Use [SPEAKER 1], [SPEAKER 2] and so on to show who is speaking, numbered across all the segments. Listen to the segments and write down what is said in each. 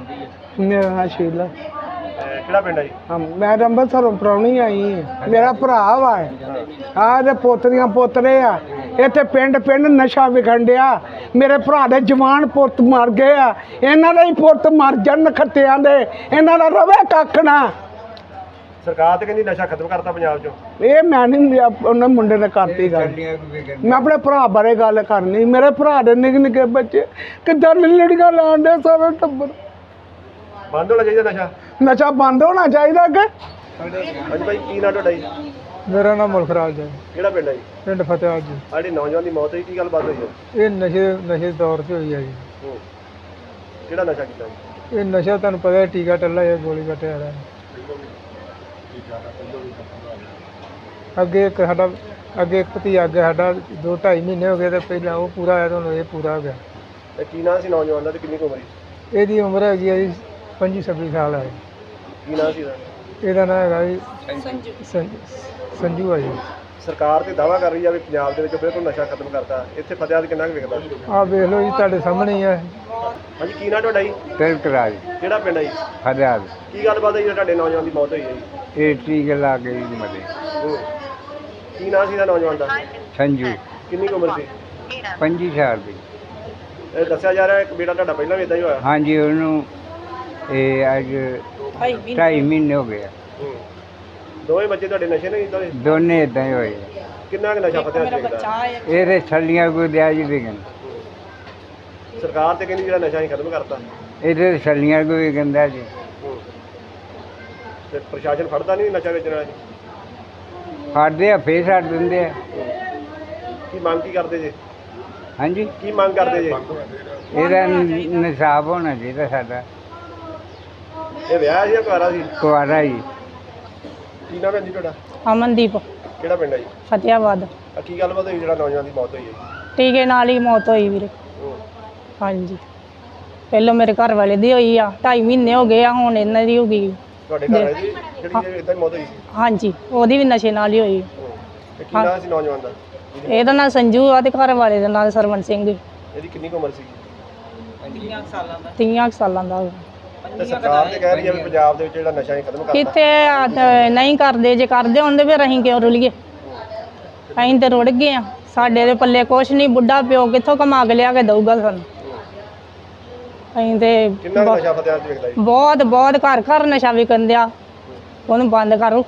[SPEAKER 1] मेरा नाम शीला।
[SPEAKER 2] ਕਿਹੜਾ ਪਿੰਡ ਹੈ ਜੀ?
[SPEAKER 1] हाँ मैं अंबरसरों प्राहुणी आई हाँ। मेरा भरा वा आ पोतरियां पोतरे आ इत्थे पिंड पिंड नशा विखन डिया। मेरे भरा दे जवान पुत्त मर गए आ, इन्हां दे ही पुत्त मर जाण खत्तियां दे, इन्हां दा रवे कख ना।
[SPEAKER 2] ਸਰਕਾਰ ਤੇ ਕਹਿੰਦੀ ਨਸ਼ਾ ਖਤਮ ਕਰਤਾ ਪੰਜਾਬ ਚੋਂ।
[SPEAKER 1] ਇਹ ਮੈਂ ਨਹੀਂ ਉਹਨਾਂ ਮੁੰਡੇ ਨੇ ਕਰਤੀ ਗੱਲ। ਮੈਂ ਆਪਣੇ ਭਰਾ ਬਾਰੇ ਗੱਲ ਕਰਨੀ। ਮੇਰੇ ਭਰਾ ਦੇ ਨਿੱਕੇ ਨਿੱਕੇ ਬੱਚੇ ਕਿੱਦਾਂ ਲੜੀਆਂ ਲਾਉਣ ਦੇ ਸਾਰੇ ਟੱਬਰ।
[SPEAKER 2] ਬੰਦ ਹੋਣਾ ਚਾਹੀਦਾ ਨਸ਼ਾ।
[SPEAKER 1] ਨਸ਼ਾ ਬੰਦ ਹੋਣਾ ਚਾਹੀਦਾ ਕਿ।
[SPEAKER 2] ਹਾਂਜੀ ਭਾਈ ਕੀ ਨਾਂ ਤੁਹਾਡਾ ਜੀ?
[SPEAKER 1] ਮੇਰਾ ਨਾਮ ਮੁਲਖਰਾਜ ਹੈ।
[SPEAKER 2] ਕਿਹੜਾ ਪਿੰਡ ਹੈ ਜੀ?
[SPEAKER 1] ਪਿੰਡ ਫਤਿਆਬਾਦ ਜੀ।
[SPEAKER 2] ਆੜੀ ਨੌਜਵਾਨ ਦੀ ਮੌਤ ਹੋਈ, ਕੀ ਗੱਲਬਾਤ ਹੋਈ ਹੈ?
[SPEAKER 1] ਇਹ ਨਸ਼ੇ ਦੌਰ 'ਚ ਹੋਈ ਹੈ ਜੀ।
[SPEAKER 2] ਕਿਹੜਾ ਨਸ਼ਾ ਕੀਤਾ ਜੀ?
[SPEAKER 1] ਇਹ ਨਸ਼ਾ ਤੁਹਾਨੂੰ ਪਤਾ ਹੈ ਟੀਕਾ ਟੱਲਾ ਜਾਂ ਗੋਲੀ ਕੱਟਿਆ ਰਿਹਾ। ਅੱਗੇ ਇੱਕ ਭਤੀਜਾ ਅੱਗੇ ਸਾਡਾ 2-2.5 ਮਹੀਨੇ ਹੋ ਗਏ ਤੇ ਪਹਿਲਾਂ ਉਹ ਪੂਰਾ ਹੋਇਆ, ਤੁਹਾਨੂੰ ਇਹ ਪੂਰਾ ਹੋ ਗਿਆ।
[SPEAKER 2] ਤੇ ਕੀ ਨਾਂ ਸੀ ਨੌਜਵਾਨ ਦਾ ਤੇ ਕਿੰਨੀ ਕੁ ਉਮਰ ਸੀ?
[SPEAKER 1] ਇਹਦੀ ਉਮਰ ਹੈਗੀ ਹੈ ਜੀ 25-26 ਸਾਲ ਹੈ।
[SPEAKER 2] ਕੀ ਨਾਂ ਸੀ ਇਹਦਾ?
[SPEAKER 1] ਇਹਦਾ ਨਾਂ ਹੈਗਾ ਜੀ ਸੰਜੂ ਹੈ ਜੀ।
[SPEAKER 2] ਸਰਕਾਰ ਤੇ ਦਾਅਵਾ ਕਰ ਰਹੀ ਆ ਵੀ ਪੰਜਾਬ ਦੇ ਵਿੱਚ ਬਿਲਕੁਲ ਨਸ਼ਾ ਖਤਮ ਕਰਤਾ। ਇੱਥੇ ਫਤਿਆਦ ਕਿੰਨਾ ਕੁ ਵਿਕਦਾ?
[SPEAKER 1] ਆਹ ਵੇਖ ਲਓ ਜੀ ਤੁਹਾਡੇ ਸਾਹਮਣੇ ਹੀ ਹੈ।
[SPEAKER 2] ਹਾਂਜੀ ਕੀ ਨਾਂ ਤੁਹਾਡਾ ਜੀ?
[SPEAKER 1] ਤਿਲਕਰਾਜ
[SPEAKER 2] ਕਿਹੜਾ ਪਿੰਡ ਹੈ ਜੀ?
[SPEAKER 1] ਫਤਿਆਦ।
[SPEAKER 2] ਕੀ ਗੱਲਬਾਤ ਹੈ ਜੀ ਤੁਹਾਡੇ ਨੌਜਵਾਨ ਦੀ ਮੌਤ ਹੋਈ ਹੈ ਜੀ?
[SPEAKER 1] ਇਹ ਟੀਕੇ ਲਾ ਕੇ ਜੀ ਮਰੇ।
[SPEAKER 2] ਕੀ ਨਾਂ ਸੀ ਇਹਦਾ ਨੌਜਵਾਨ ਦਾ?
[SPEAKER 1] ਸੰਜੂ।
[SPEAKER 2] ਕਿੰਨੀ ਕੁ ਉਮਰ ਸੀ?
[SPEAKER 1] 25 ਸਾਲ ਦੀ।
[SPEAKER 2] ਇਹ ਦੱਸਿਆ ਜਾ ਰਿਹਾ ਇੱਕ ਬੇਟਾ ਤੁਹਾਡਾ ਪਹਿਲਾਂ ਵੀ ਇਦਾਂ ਹੀ ਹੋਇਆ।
[SPEAKER 1] ਹਾਂਜੀ ਉਹਨੂੰ ਇਹ ਅੱਜ 2.5 ਮਹੀਨੇ ਹੋ ਗਏ।
[SPEAKER 2] ਦੋਵੇਂ ਬੱਚੇ ਤੁਹਾਡੇ ਨਸ਼ੇ ਨਹੀਂ ਕੀਤਾ?
[SPEAKER 1] ਦੋਨੇ ਇਦਾਂ ਹੀ ਹੋਏ।
[SPEAKER 2] ਕਿੰਨਾ ਕੁ ਨਸ਼ਾ ਫਤਿਆਦ ਵਿਕਦਾ?
[SPEAKER 1] ਇਹਦੇ ਛੱਲੀਆਂ ਕੋਈ ਦਿਆ ਜੀ ਵਿਕਣ।
[SPEAKER 2] ਸਰਕਾਰ ਤੇ ਕਹਿੰਦੀ ਜਿਹੜਾ ਨਸ਼ਾ ਹੀ ਖਤਮ ਕਰਤਾ।
[SPEAKER 1] ਇਹਦੇ ਛੱਲੀਆਂ ਕੋਈ ਵਿਕਦਾ ਜੀ।
[SPEAKER 2] ਤੇ ਪ੍ਰਸ਼ਾਸਨ ਫੜਦਾ ਨਹੀਂ ਨਸ਼ਾ ਵੇਚਣ ਵਾਲਾ ਜੀ?
[SPEAKER 1] ਫੜਦੇ ਆ ਫੇਰ ਛੱਡ ਦਿੰਦੇ ਆ।
[SPEAKER 2] ਕੀ ਮੰਗ ਕੀ ਕਰਦੇ ਜੇ?
[SPEAKER 1] ਹਾਂਜੀ
[SPEAKER 2] ਕੀ ਮੰਗ ਕਰਦੇ ਜੇ?
[SPEAKER 1] ਇਹਦਾ ਨਿਸ਼ਾਬ ਹੋਣਾ ਚਾਹੀਦਾ ਸਾਡਾ।
[SPEAKER 2] ਇਹ ਵਿਆਹ ਸੀ ਜਾਂ ਕੁਆਰਾ ਸੀ?
[SPEAKER 1] ਕੁਆਰਾ ਜੀ।
[SPEAKER 2] ਕੀ ਨਾਮ ਹੈ ਜੀ ਤੁਹਾਡਾ?
[SPEAKER 3] ਅਮਨਦੀਪ।
[SPEAKER 2] ਕਿਹੜਾ ਪਿੰਡ ਹੈ ਜੀ?
[SPEAKER 3] ਫਤਿਆਬਾਦ।
[SPEAKER 2] ਆ ਕੀ ਗੱਲਬਾਤ ਹੋਈ ਜਿਹੜਾ ਨੌਜਵਾਨ ਦੀ ਮੌਤ ਹੋਈ ਹੈ ਜੀ?
[SPEAKER 3] ਟੀਕੇ ਨਾਲ ਹੀ ਮੌਤ ਹੋਈ ਵੀਰੇ। ਹਾਂਜੀ ਪਹਿਲਾਂ ਮੇਰੇ ਘਰ ਵਾਲੇ ਦੀ ਹੋਈ ਆ, 2.5 ਮਹੀਨੇ ਹੋ ਗਏ ਆ, ਹੁਣ ਇਹਨਾਂ ਦੀ ਹੋ ਗਈ।
[SPEAKER 2] ਤੁਹਾਡੇ ਘਰ ਹੈ ਜੀ ਜਿਹੜੀ ਇਦਾਂ ਹੀ ਮੌਤ ਹੋਈ ਸੀ?
[SPEAKER 3] ਹਾਂਜੀ ਉਹਦੀ ਵੀ ਨਸ਼ੇ ਨਾਲ ਹੀ ਹੋਈ।
[SPEAKER 2] ਤੇ ਕੀ ਨਾਮ ਸੀ ਨੌਜਵਾਨ ਦਾ?
[SPEAKER 3] ਇਹਦਾ ਨਾਂ ਸੰਜੂ ਆ ਤੇ ਘਰ ਵਾਲੇ ਦਾ ਨਾਂ ਸਰਵਣ ਸਿੰਘ।
[SPEAKER 2] ਇਹਦੀ ਕਿੰਨੀ ਕੁ ਉਮਰ ਸੀ?
[SPEAKER 3] 30 ਸਾਲਾਂ ਦਾ।
[SPEAKER 2] ਤੇ ਸਰਕਾਰ ਤੇ ਕਹਿ ਰਹੀ ਹੈ ਵੀ ਪੰਜਾਬ ਦੇ ਵਿੱਚ ਜਿਹੜਾ ਨਸ਼ਾ ਹੀ ਖਤਮ ਕਰਤਾ।
[SPEAKER 3] ਕਿਤੇ ਨਹੀਂ ਕਰਦੇ, ਜੇ ਕਰਦੇ ਹੁੰਦੇ ਫਿਰ ਅਸੀਂ ਕਿਉਂ ਰੁਲੀਏ? ਅਸੀਂ ਤੇ ਰੁੜ ਗਏ ਆ, ਸਾਡੇ ਦੇ ਪੱਲੇ ਕੁਛ ਨਹੀਂ। ਬੁੱਢਾ ਪਿਓ ਕਿੱਥੋਂ ਕਮਾ ਕੇ ਲਿਆ ਕੇ ਦਊਗਾ ਸਾਨੂੰ? ਅਸੀਂ ਤੇ
[SPEAKER 2] ਕਿੰਨਾ ਕੁ ਨਸ਼ਾ ਫਤਿਆਦ ਵਿਕਦਾ ਜੀ?
[SPEAKER 3] ਬਹੁਤ ਘਰ ਘਰ ਨਸ਼ਾ ਵਿਕਣ ਦਿਆ। ਉਹਨੂੰ ਬੰਦ ਕਰੋ।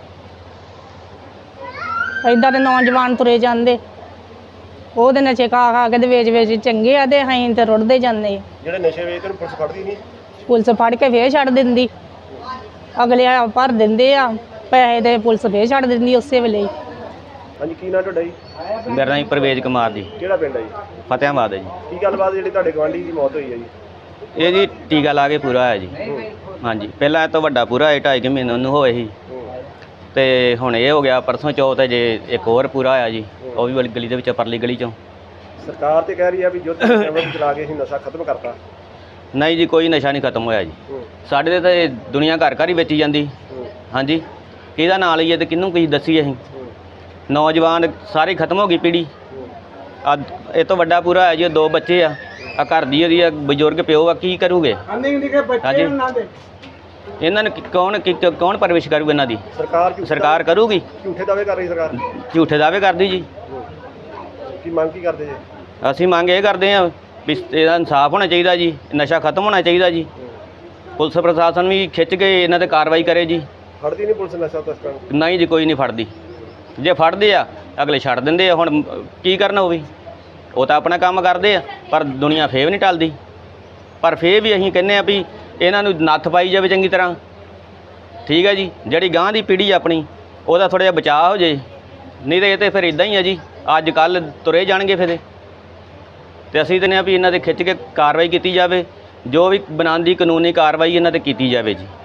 [SPEAKER 3] ਏਦਾਂ ਦੇ ਨੌਜਵਾਨ ਤੁਰੇ ਜਾਂਦੇ, ਉਹਦੇ ਨਸ਼ੇ ਖਾ ਕੇ ਤੇ ਵੇਚ ਚੰਗੇ ਆ ਤੇ ਅਸੀਂ ਤੇ ਰੁੜਦੇ ਜਾਂਦੇ।
[SPEAKER 2] ਜਿਹੜੇ ਨਸ਼ੇ ਵੇਚਦੇ ਨੂੰ ਪੁਲਿਸ ਫੜਦੀ ਨਹੀਂ?
[SPEAKER 3] ਪੁਲਿਸ ਫੜ ਕੇ ਫੇਰ ਛੱਡ ਦਿੰਦੀ। ਅਗਲੇ ਭਰ ਦਿੰਦੇ ਆ ਪੈਸੇ ਤੇ ਪੁਲਿਸ ਫੇਰ ਛੱਡ ਦਿੰਦੀ ਉਸੇ ਵੇਲੇ ਹੀ।
[SPEAKER 2] ਹਾਂਜੀ ਕੀ ਨਾਂ ਤੁਹਾਡਾ ਜੀ?
[SPEAKER 4] ਮੇਰਾ ਨਾਮ ਪਰਵੇਜ਼ ਕੁਮਾਰ ਜੀ।
[SPEAKER 2] ਕਿਹੜਾ ਪਿੰਡ ਹੈ ਜੀ?
[SPEAKER 4] ਫਤਿਆਬਾਦ ਹੈ ਜੀ।
[SPEAKER 2] ਕੀ ਗੱਲਬਾਤ ਜਿਹੜੀ ਤੁਹਾਡੇ ਗੁਆਂਢੀ ਦੀ ਮੌਤ ਹੋਈ ਹੈ ਜੀ?
[SPEAKER 4] ਇਹ ਜੀ ਟੀਕਾ ਲਾ ਕੇ ਪੂਰਾ ਹੋਇਆ ਜੀ। ਹਾਂਜੀ ਪਹਿਲਾਂ ਇਹ ਤੋਂ ਵੱਡਾ ਪੂਰਾ ਹੋਇਆ 2.5 ਮਹੀਨੇ ਉਹਨੂੰ ਹੋਏ ਸੀ ਤੇ ਹੁਣ ਇਹ ਹੋ ਗਿਆ ਪਰਸੋਂ ਚੌਥ ਜੇ ਇੱਕ ਹੋਰ ਪੂਰਾ ਹੋਇਆ ਜੀ, ਉਹ ਵੀ ਵਾਲੀ ਗਲੀ ਦੇ ਵਿੱਚ ਪਰਲੀ ਗਲੀ ਚੋਂ।
[SPEAKER 2] ਸਰਕਾਰ ਤੇ ਕਹਿ ਰਹੀ ਹੈ ਵੀ ਯੁੱਧ ਨਸ਼ਾ ਚਲਾ ਕੇ ਅਸੀਂ ਨਸ਼ਾ ਖਤਮ ਕਰਤਾ।
[SPEAKER 4] ਨਹੀਂ ਜੀ ਕੋਈ ਨਸ਼ਾ ਨਹੀਂ ਖਤਮ ਹੋਇਆ ਜੀ। ਸਾਡੇ ਤੇ ਦੁਨੀਆ ਘਰ ਘਰ ਹੀ ਵੇਚੀ ਜਾਂਦੀ। ਹਾਂਜੀ ਕਿਹਦਾ ਨਾਂ ਲਈਏ ਤੇ ਕਿਹਨੂੰ ਕੀ ਦੱਸੀਏ ਅਸੀਂ? ਨੌਜਵਾਨ ਸਾਰੀ ਖਤਮ ਹੋ ਗਈ ਪੀੜ੍ਹੀ। ਆ ਇਹ ਤੋਂ ਵੱਡਾ ਪੂਰਾ ਹੋਇਆ ਜੀ, 2 ਬੱਚੇ ਆ, ਆ ਘਰ ਦੀ ਉਹਦੀ ਬਜ਼ੁਰਗ ਪਿਓ ਆ, ਕੀ ਕਰੂਗੇ? ਹਾਂਜੀ ਇਹਨਾਂ ਨੂੰ ਕੌਣ ਪਰਵਿਸ਼ ਕਰੂਗਾ ਇਹਨਾਂ ਦੀ? ਸਰਕਾਰ ਕਰੂਗੀ।
[SPEAKER 2] ਝੂਠੇ ਦਾਅਵੇ ਕਰ ਰਹੀ ਸਰਕਾਰ।
[SPEAKER 4] ਝੂਠੇ ਦਾਅਵੇ ਕਰਦੀ ਜੀ।
[SPEAKER 2] ਕੀ ਮੰਗ ਕੀ ਕਰਦੇ ਜੀ?
[SPEAKER 4] ਅਸੀਂ ਮੰਗ ਇਹ ਕਰਦੇ ਹਾਂ ਵੀ ਇਹਦਾ ਇਨਸਾਫ ਹੋਣਾ ਚਾਹੀਦਾ ਜੀ, ਨਸ਼ਾ ਖਤਮ ਹੋਣਾ ਚਾਹੀਦਾ ਜੀ। ਪੁਲਿਸ ਪ੍ਰਸ਼ਾਸਨ ਵੀ ਖਿੱਚ ਕੇ ਇਹਨਾਂ 'ਤੇ ਕਾਰਵਾਈ ਕਰੇ ਜੀ।
[SPEAKER 2] ਫੜਦੀ ਨਹੀਂ ਪੁਲਿਸ ਨਸ਼ਾ ਤਸਕਰਾਂ ਨੂੰ?
[SPEAKER 4] ਨਹੀਂ ਜੀ ਕੋਈ ਨਹੀਂ ਫੜਦੀ। ਜੇ ਫੜਦੇ ਆ ਅਗਲੇ ਛੱਡ ਦਿੰਦੇ ਆ। ਹੁਣ ਕੀ ਕਰਨਾ ਉਹ ਵੀ, ਉਹ ਤਾਂ ਆਪਣਾ ਕੰਮ ਕਰਦੇ ਆ, ਪਰ ਦੁਨੀਆ ਫੇਰ ਵੀ ਨਹੀਂ ਟਲਦੀ। ਪਰ ਫੇਰ ਵੀ ਅਸੀਂ ਕਹਿੰਦੇ ਆ ਵੀ ਇਹਨਾਂ ਨੂੰ ਨੱਥ ਪਾਈ ਜਾਵੇ ਚੰਗੀ ਤਰ੍ਹਾਂ। ਠੀਕ ਹੈ ਜੀ, ਜਿਹੜੀ ਗਾਂਹ ਦੀ ਪੀੜ੍ਹੀ ਆਪਣੀ ਉਹਦਾ ਥੋੜ੍ਹਾ ਜਿਹਾ ਬਚਾਅ ਹੋ ਜੇ, ਨਹੀਂ ਤਾਂ ਇਹ ਤਾਂ ਫਿਰ ਇੱਦਾਂ ਹੀ ਆ ਜੀ, ਅੱਜ ਕੱਲ੍ਹ ਤੁਰੇ ਜਾਣਗੇ ਫਿਰ। ਤੇ ਅਸੀਂ ਕਹਿੰਦੇ ਆ ਵੀ ਇਹਨਾਂ 'ਤੇ ਖਿੱਚ ਕੇ ਕਾਰਵਾਈ ਕੀਤੀ ਜਾਵੇ, ਜੋ ਵੀ ਬਣਾਉਣ ਦੀ ਕਾਨੂੰਨੀ ਕਾਰਵਾਈ ਇਹਨਾਂ 'ਤੇ ਕੀਤੀ ਜਾਵੇ ਜੀ।